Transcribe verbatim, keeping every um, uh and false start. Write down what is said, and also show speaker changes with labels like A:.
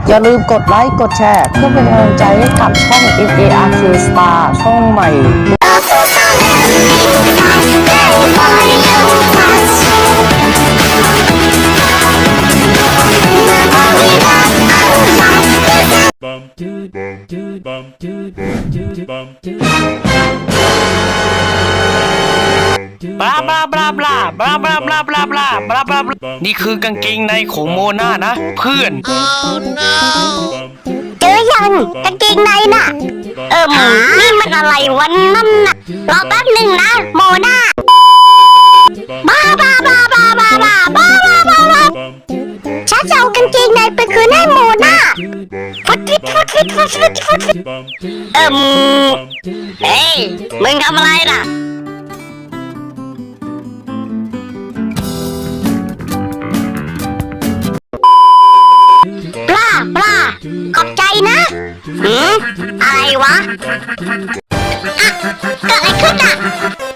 A: อย่าลืมกดไลค์กดแชร์เพื่อเป็นกำลังใจให้กับช่อง เอ็ม เอ อาร์ เค Star ช่องใหม่
B: bum do bum do bum do do bum do
C: บลาบลาบลาบลาบลาบลาบลาบลาบลาบลาบลาบลานี่คือกางเกงในของโมนานะเพื่อน
D: เจอยังกางเกงในน่ะ เอิมนี่มันอะไรวันนั่นน่ะรอแป๊บหนึ่งนะโมนาบ้าบ้าบ้าบ้าบ้าบ้าบ้าบ้าบ้าบ้าฉันจะเอากางเกงในไปคืนให้โมนาฟุดฟิตฟุดฟิตฟุดฟิตฟุดฟิตเอิมเฮ้ยมึงทำอะไรน่ะปลาปลาขอบใจนะหืมอะไรวะอะเกิดอะไรขึ้นอ่ะ